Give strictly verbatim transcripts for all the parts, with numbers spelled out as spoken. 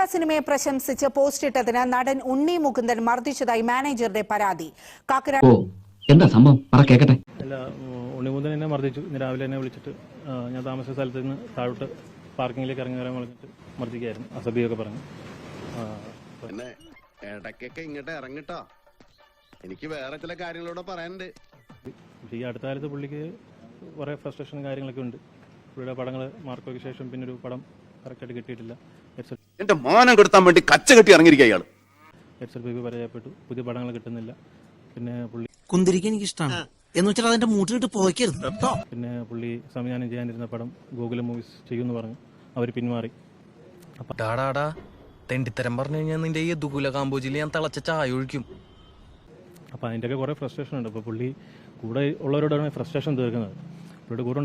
നരിവേട്ട സിനിമയെ പ്രശംസിച്ച് പോസ്റ്റിട്ടതിന് നടൻ ഉണ്ണി മുകുന്ദൻ മർദ്ദിച്ചതായി മാനേജറുടെ പരാതി. കാക്കനാട് എന്താ സംഭവം കേക്കട്ടെ. അല്ല, ഉണ്ണിമുകുന്ദൻ എന്നെ മർദ്ദിച്ചു. ഇന്ന് രാവിലെ എന്നെ വിളിച്ചിട്ട് ഞാൻ താമസ സ്ഥലത്ത് നിന്ന് താഴോട്ട് പാർക്കിങ്ങിലേക്ക് ഇറങ്ങി വരാൻ പറഞ്ഞിട്ട് മർദ്ദിക്കായിരുന്നു. അസഭ്യമൊക്കെ പറഞ്ഞു. ഇടയ്ക്കൊക്കെ ഇങ്ങോട്ട് ഇറങ്ങിട്ടോ, എനിക്ക് വേറെ ചില കാര്യങ്ങളോട് പറയാനുണ്ട്. ഈ അടുത്ത കാലത്ത് പുള്ളിക്ക് കുറേ ഫ്രസ്ട്രേഷനും കാര്യങ്ങളൊക്കെ ഉണ്ട്. പുള്ളിയുടെ പടങ്ങൾ മാർക്കോയ്ക്ക് ശേഷം പിന്നെ ഒരു പടം കറക്റ്റായിട്ട് കിട്ടിയിട്ടില്ല. എന്റെ മാനം കെടുത്താൻ വേണ്ടി കച്ച കെട്ടി ഇറങ്ങിയിരിക്കുക ഇയാൾ. എച്ച് എൽ ബി പരാജയപ്പെട്ടു. പുതിയ പടങ്ങൾ കിട്ടുന്നില്ല. പിന്നെ പുള്ളി കുന്തിരിക്കാൻ എനിക്ക് ഇഷ്ടമാണ് എന്ന് വെച്ചാൽ അതിന്റെ മൂട്ടിലിട്ട് പോയിക്കരുത്. പിന്നെ പുള്ളി സംവിധാനം ചെയ്യാനിരുന്ന പടം ഗോകുലം മൂവീസ് ചെയ്യുമെന്ന് പറഞ്ഞു. അവർ പിന്മാറി. ഡാടാടാ തെണ്ടിത്തരം പറഞ്ഞു കഴിഞ്ഞാൽ നിന്റെ ഈ ദുകുല കാമ്പോജിൽ ഞാൻ തിളച്ച ചായ ഒഴിക്കും. അപ്പം അതിൻ്റെയൊക്കെ കുറേ ഫ്രസ്ട്രേഷൻ ഉണ്ട്. അപ്പോൾ പുള്ളി കൂടെ ഉള്ളവരോടാണ് ഫ്രസ്ട്രേഷൻ തീർക്കുന്നത്. പുള്ളിയുടെ കൂടെ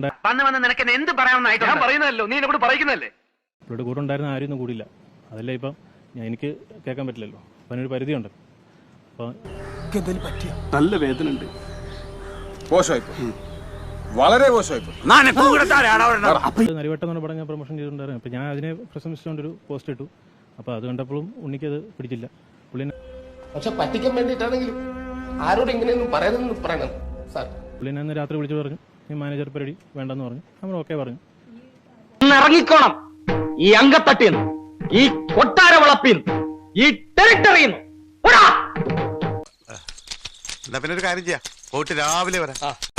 പുള്ളിയുടെ കൂടെ ഉണ്ടായിരുന്ന ആരും ഒന്നും കൂടിയില്ല. അതല്ല ഇപ്പം ഞാൻ എനിക്ക് കേൾക്കാൻ പറ്റില്ലല്ലോ. അപ്പം അതിനൊരു പരിധിയുണ്ട്. അപ്പം നല്ല വേദന ഉണ്ട്. നരിവട്ടം എന്ന് പറഞ്ഞ പടം ഞാൻ പ്രൊമോഷൻ ചെയ്തിട്ടുണ്ടായിരുന്നു. അപ്പം ഞാൻ അതിനെ പ്രശംസിച്ചുകൊണ്ടൊരു പോസ്റ്റ് ഇട്ടു. അപ്പോൾ അത് കണ്ടപ്പോഴും ഉണ്ണിക്കത് പിടിച്ചില്ല. പുള്ളി പക്ഷെ പറ്റിക്കാൻ വേണ്ടിയിട്ടാണെങ്കിലും ആരോട് ഇങ്ങനെയൊന്നും പറയരുതെന്ന് പറയണം സാർ. പുള്ളി എന്നെ രാത്രി വിളിച്ചു പറഞ്ഞു, ഈ മാനേജർ പരിപാടി വേണ്ടെന്ന് പറഞ്ഞു. നമ്മൾ ഓക്കെ പറഞ്ഞു. ഇറങ്ങിക്കോണം ഈ അങ്കത്തട്ടിന്ന്, ഈ കൊട്ടാര വളപ്പിന്ന്, ഈ ടെറിട്ടറിന്ന്. എന്നാ പിന്നെ ഒരു കാര്യം ചെയ്യാം, പോയിട്ട് രാവിലെ വരാം.